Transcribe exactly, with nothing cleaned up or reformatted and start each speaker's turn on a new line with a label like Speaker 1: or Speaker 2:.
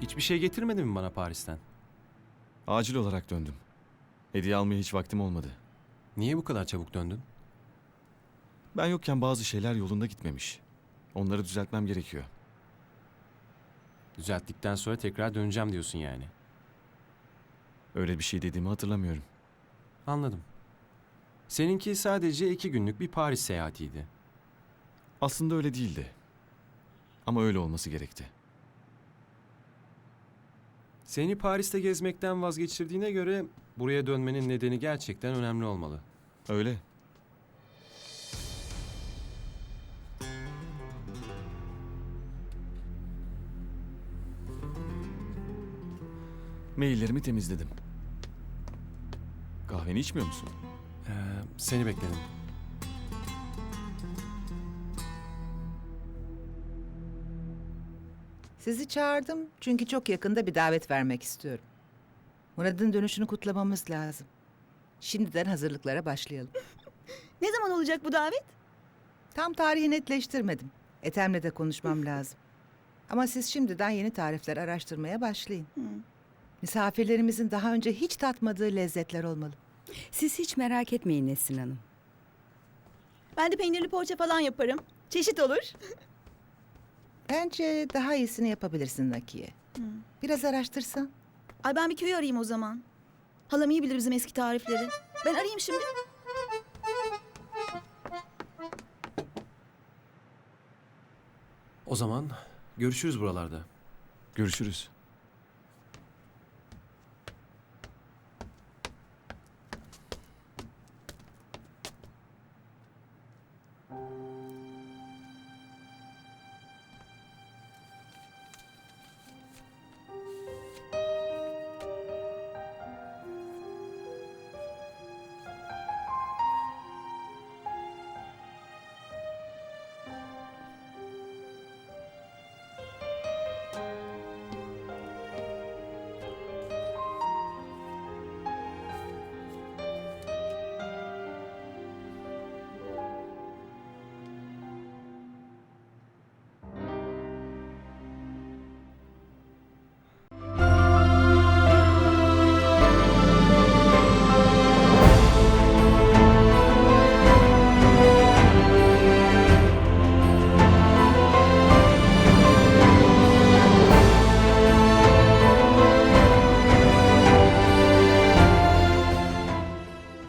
Speaker 1: Hiçbir şey getirmedin mi bana Paris'ten?
Speaker 2: Acil olarak döndüm. Hediye almaya hiç vaktim olmadı.
Speaker 1: Niye bu kadar çabuk döndün?
Speaker 2: Ben yokken bazı şeyler yolunda gitmemiş. Onları düzeltmem gerekiyor.
Speaker 1: Düzelttikten sonra tekrar döneceğim diyorsun yani.
Speaker 2: Öyle bir şey dediğimi hatırlamıyorum.
Speaker 1: Anladım. Seninki sadece iki günlük bir Paris seyahatiydi.
Speaker 2: Aslında öyle değildi. Ama öyle olması gerekti.
Speaker 1: Seni Paris'te gezmekten vazgeçirdiğine göre buraya dönmenin nedeni gerçekten önemli olmalı.
Speaker 2: Öyle. Maillerimi temizledim. Kahveni içmiyor musun?
Speaker 1: Ee, seni bekledim.
Speaker 3: Sizi çağırdım çünkü çok yakında bir davet vermek istiyorum. Murat'ın dönüşünü kutlamamız lazım. Şimdiden hazırlıklara başlayalım.
Speaker 4: Ne zaman olacak bu davet?
Speaker 3: Tam tarihi netleştirmedim. Ethem'le de konuşmam lazım. Ama siz şimdiden yeni tarifler araştırmaya başlayın. Misafirlerimizin daha önce hiç tatmadığı lezzetler olmalı.
Speaker 5: Siz hiç merak etmeyin Nesrin Hanım.
Speaker 4: Ben de peynirli poğaça falan yaparım. Çeşit olur.
Speaker 3: Bence daha iyisini yapabilirsin Nakiye. Biraz araştırsan.
Speaker 4: Ay ben bir köyü arayayım o zaman. Halam iyi bilir bizim eski tarifleri. Ben arayayım şimdi.
Speaker 1: O zaman görüşürüz buralarda.
Speaker 2: Görüşürüz.